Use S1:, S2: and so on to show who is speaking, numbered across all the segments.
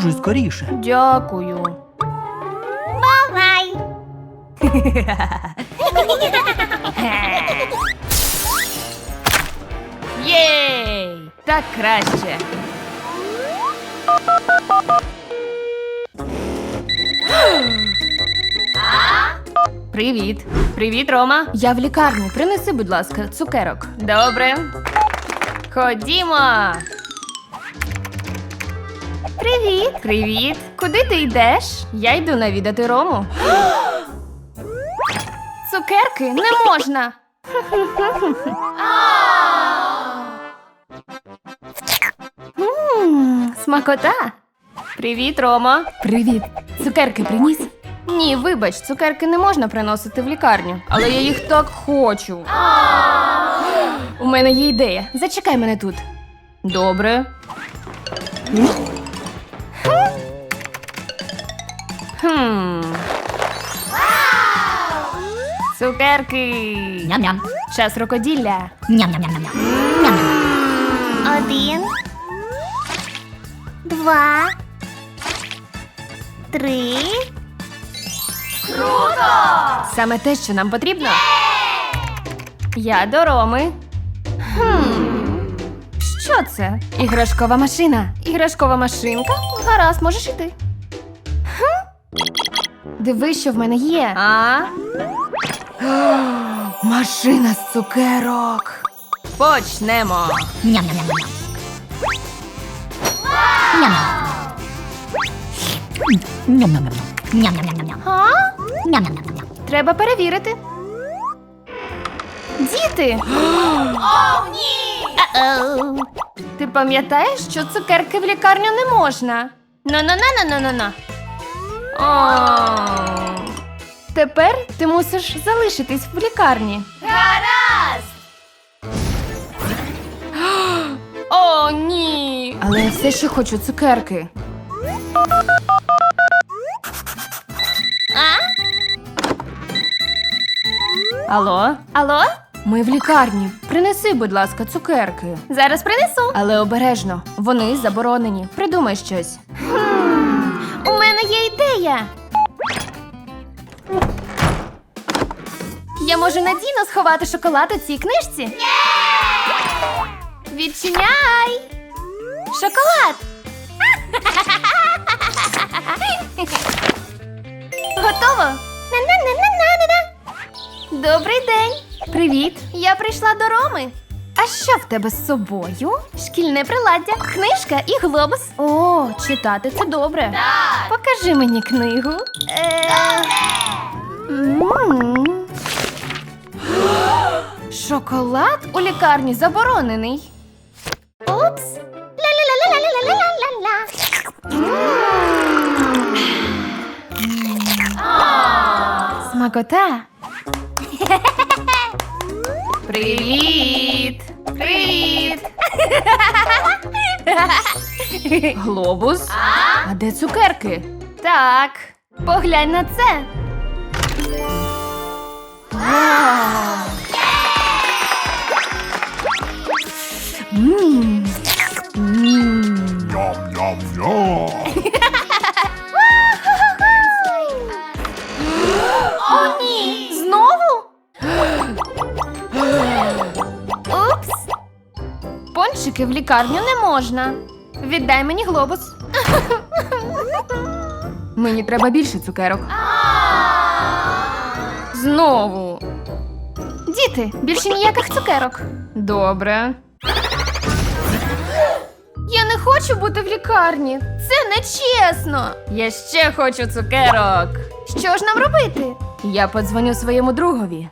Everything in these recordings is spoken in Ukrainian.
S1: Одужуй скоріше.
S2: Дякую.
S3: Бувай!
S2: Єй! Так краще. Привіт. Привіт, Рома. Я в лікарні. Принеси, будь ласка, цукерок. Добре. Ходімо. Привіт. Привіт. Куди ти йдеш? Я йду навідати Рому. Цукерки не можна. Смакота. Привіт, Рома. Привіт. Цукерки приніс? Ні, вибач, цукерки не можна приносити в лікарню. Але я їх так хочу. У мене є ідея. Зачекай мене тут. Добре. Цукерки.
S3: Ням-ням.
S2: Час рукоділля.
S3: Ням-ням-ням-ням. Ням-ням. 1, 2, 3.
S2: Саме те, що нам потрібно. Я до Роми. Що це? Іграшкова машина. Іграшкова машинка? Гаразд, можеш іти. Дивись, що в мене є. Машина з цукерок. Почнемо.
S3: Ням-ням-ням-ням. Ням-ням. Ням-ням-ням-ням. Ням-ням-ням-ням. Ням-ням-ням-ням.
S2: Треба перевірити. Діти!
S3: О, ні!
S2: Ти пам'ятаєш, що цукерки в лікарню не можна? На-на-на-на-на-на-на. Тепер ти мусиш залишитись в лікарні.
S3: Гаразд!
S2: О, ні! Але я все ще хочу цукерки. Алло? Алло? Ми в лікарні. Принеси, будь ласка, цукерки. Зараз принесу. Але обережно. Вони заборонені. Придумай щось. У мене є ідея. Я можу надійно сховати шоколад у цій книжці. Відчиняй! Шоколад! Готово! На-на-на-на-на-на-на! Добрий день! Привіт! Я прийшла до Роми. А що в тебе з собою? Шкільне приладдя, книжка і глобус. О, читати це добре.
S3: Так.
S2: Покажи мені книгу. Шоколад у лікарні заборонений.
S3: Упс! Ля-ля-ля-ля-ля-ля-ля-ля-ля.
S2: Смакота. Привіт! Привіт! Глобус? А де цукерки? Так, поглянь на це.
S4: Ням-ням-ням.
S3: О, ні!
S2: Знову? Упс. Пончики в лікарню не можна. Віддай мені глобус. Мені треба більше цукерок. Знову. Діти, більше ніяких цукерок. Добре. Я не хочу бути в лікарні. Це нечесно. Я ще хочу цукерок. Що ж нам робити? Я подзвоню своєму другові.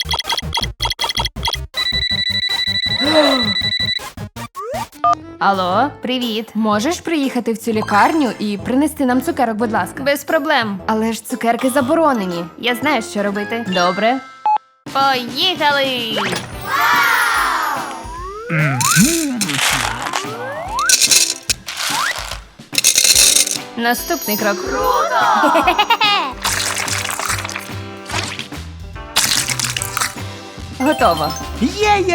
S2: Алло, привіт. Можеш приїхати в цю лікарню і принести нам цукерок, будь ласка? Без проблем. Але ж цукерки заборонені. Я знаю, що робити. Добре. Поїхали! Наступний крок. Готово.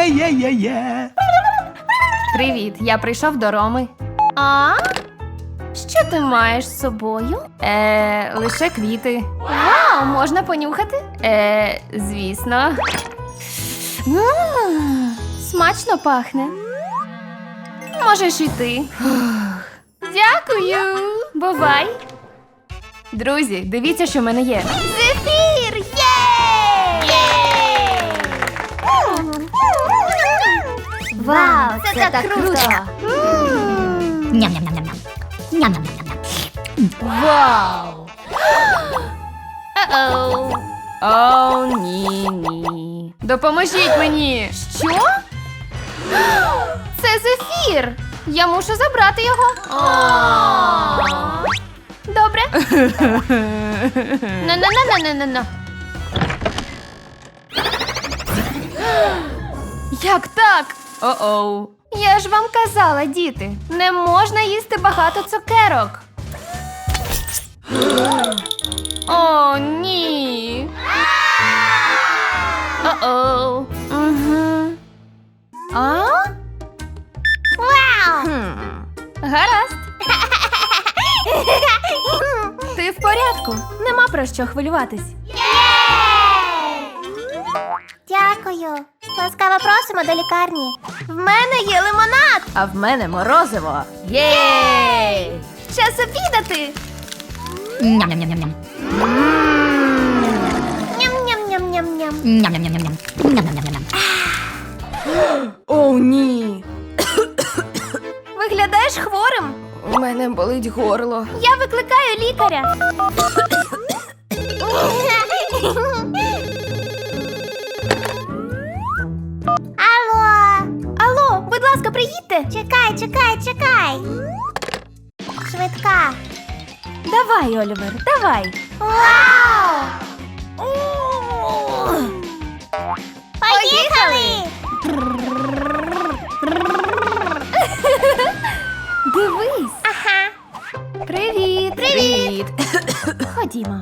S1: Є-є-є-є-є.
S2: Привіт, я прийшов до Роми.
S3: А?
S2: Що ти маєш з собою? Лише квіти. Вау, можна понюхати? Звісно. Смачно пахне. Можеш йти. Дякую. Бувай. Друзі, дивіться, що в мене є.
S3: Зефір! Є! Вау, це так круто!
S1: Ням-ням-ням-ням. Ням-ням-ням-ням.
S2: Вау! О-оу. О, ні. Допоможіть мені. Що? Це зефір. Я мушу забрати його. Добре. На-на-на-на-на-на. Як так? О-оу. Я ж вам казала, діти, не можна їсти багато цукерок. О, ні. О-оу. Угу. А?
S3: Вау!
S2: Гаразд. Ти в порядку. Нема про що хвилюватись.
S3: Дякую. Ласкаво просимо до лікарні. В мене є лимонад.
S2: А в мене морозиво. Єй! Час обідати.
S1: Ням-ням-ням-ням.
S3: Ням-ням-ням-ням-ням.
S1: Ням-ням-ням-ням. Ням-ням-ням-ням.
S2: О, ні. Виглядаєш хворим? У мене болить горло.
S3: Я викликаю лікаря. Алло.
S2: Алло, будь ласка, приїдьте.
S3: Чекай. Швидка.
S2: Давай, Олівер, давай.
S3: Вау! Поїхали!
S2: Дивись.
S3: Ага.
S2: Привіт. Привіт. Ходімо.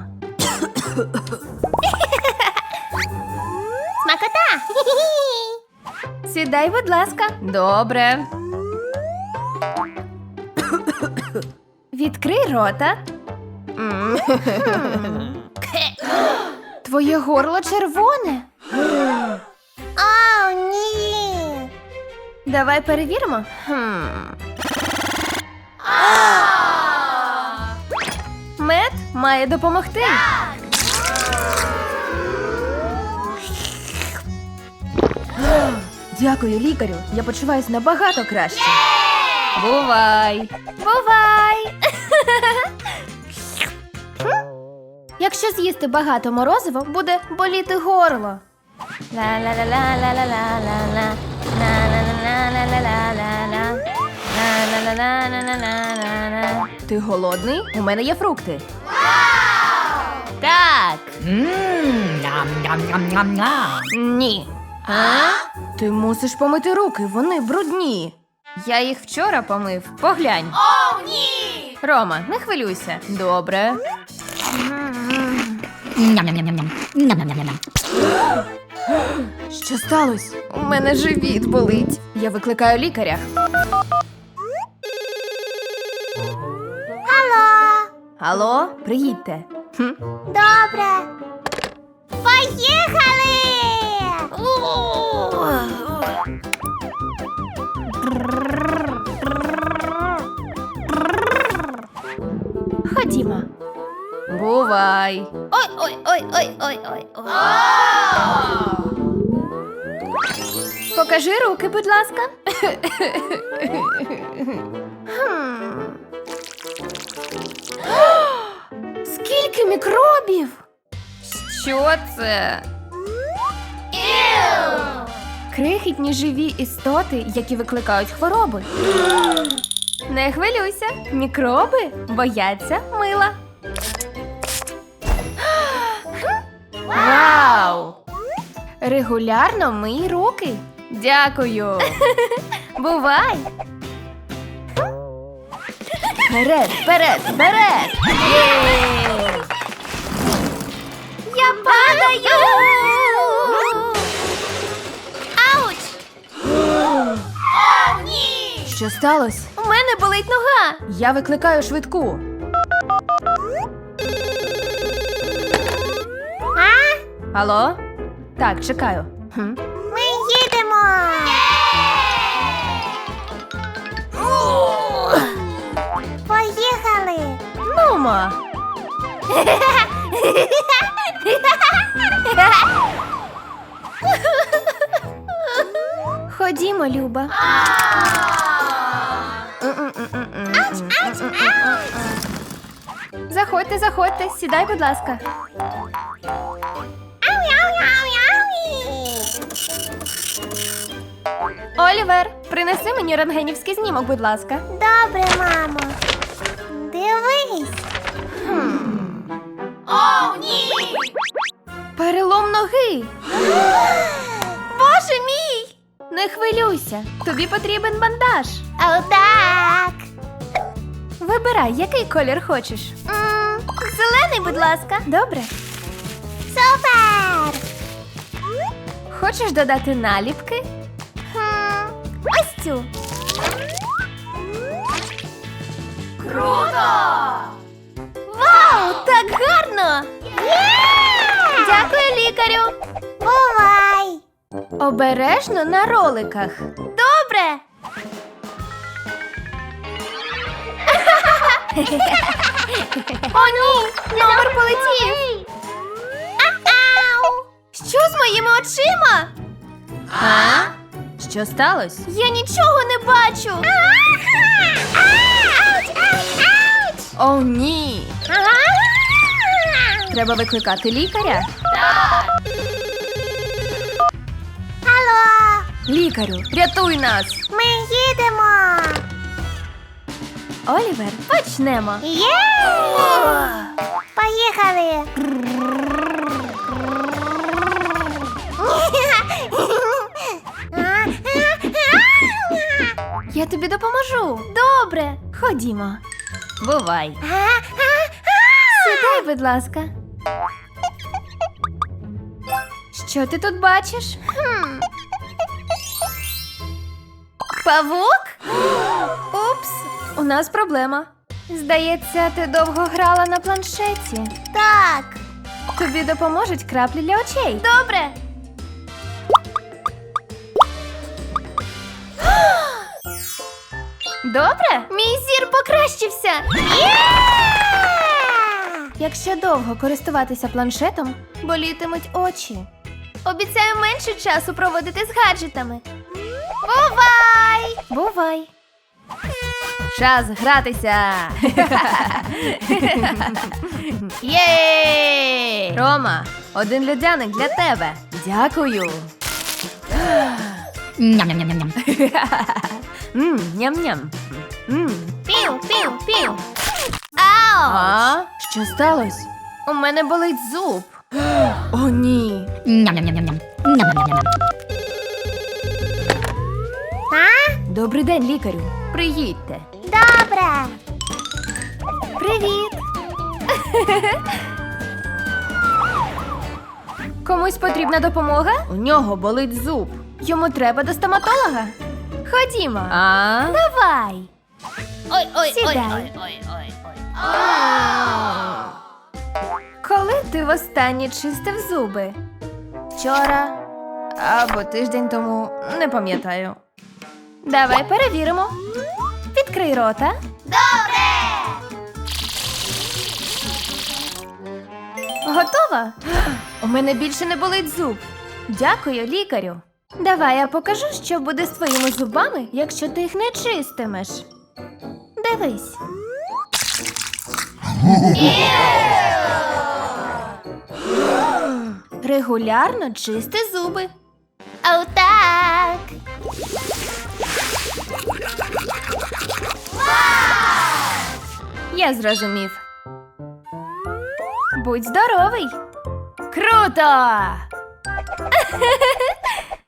S3: Смакота!
S2: Сідай, будь ласка. Добре. Відкрий рота. Твоє горло червоне.
S3: О, ні!
S2: Давай перевіримо. Мед має допомогти. Дякую, лікарю. Я почуваюсь набагато краще. Бувай. Бувай. Якщо з'їсти багато морозива, буде боліти горло. Ла-ла-ла-ла-ла-ла-ла-ла. Ла-ла-ла-ла-ла-ла-ла. Ла-ла-ла-ла-ла-ла-ла. Ти голодний? У мене є фрукти. Так.
S1: Ням-ням-ням-ням-ням.
S2: Ні. А? Ти мусиш помити руки, вони брудні. Я їх вчора помив. Поглянь.
S3: О, ні!
S2: Рома, не хвилюйся. Добре.
S1: Ням-ням-ням-ням. Ням-ням-ням-ням.
S2: Що сталося? У мене живіт болить. Я викликаю лікаря.
S3: Алло!
S2: Алло, приїдьте.
S3: Добре. Поїхали!
S2: Ходімо. Бувай.
S3: Ой.
S2: Покажи руки, будь ласка. Скільки мікробів? Що це? Крихітні живі істоти, які викликають хвороби. Не хвилюйся, мікроби бояться мила. Вау! Регулярно мий руки. Дякую. Бувай. Вперед, вперед, вперед! Єй!
S3: Я падаю! Ауч! О, ні!
S2: Що сталося?
S3: У мене
S2: мене болить нога. Я викликаю швидку. Алло? Так, чекаю.
S3: Ми їдемо! Поїхали!
S2: Нумо. Ходімо, Люба. Заходьте, заходьте, сідай, будь ласка. Олівер, принеси мені рентгенівський знімок, будь ласка.
S3: Добре, мамо. Дивись.
S2: Перелом ноги. Боже мій! Не хвилюйся, тобі потрібен бандаж.
S3: Отак.
S2: Вибирай, який колір хочеш.
S3: Зелений, будь ласка.
S2: Добре.
S3: Супер!
S2: Хочеш додати наліпки?
S3: Ось цю.
S2: Вау, так гарно! Дякую, лікарю.
S3: Бувай!
S2: Обережно на роликах.
S3: Добре!
S2: О, ні! Номер полетів!
S3: Ау!
S2: Що з моїми очима? А? Що сталося?
S3: Я нічого не бачу!
S2: О, ні! Треба викликати лікаря.
S3: Алло!
S2: Лікарю, рятуй нас!
S3: Ми їдемо!
S2: Олівер, почнемо.
S3: Є! Поїхали!
S2: Я тобі допоможу.
S3: Добре!
S2: Ходімо. Бувай. Сідай, будь ласка. Що ти тут бачиш? Павук? Упс, у нас проблема. Здається, ти довго грала на планшеті.
S3: Так!
S2: Тобі допоможуть краплі для очей.
S3: Добре!
S2: Добре?
S3: Мій зір покращився!
S2: Якщо довго користуватися планшетом, болітимуть очі.
S3: Обіцяю менше часу проводити з гаджетами. Бувай!
S2: Бувай. Час гратися. Єй! Рома, один льодяник для тебе. Дякую.
S1: Ням-ням-ням-ням.
S2: Ням-ням.
S3: Пів, пів, пів!
S2: А? Що сталося? У мене болить зуб. О, ні.
S1: Ням-ням-ням-ням. Ням-ням-ням-ням.
S3: А?
S2: Добрий день, лікарю. Приїдьте.
S3: Добре!
S2: Привіт. Комусь потрібна допомога? У нього болить зуб. Йому треба до стоматолога. Ходімо. А? Давай.
S3: Ой,
S2: Сідай. Коли ти востаннє чистив зуби? Вчора або тиждень тому, не пам'ятаю. Давай перевіримо. Відкрий рота.
S3: Добре!
S2: Готова? У мене більше не болить зуб. Дякую, лікарю. Давай я покажу, що буде з твоїми зубами, якщо ти їх не чистимеш. Дивись. Регулярно чисти зуби.
S3: Отак!
S2: Я зрозумів. Будь здоровий. Круто!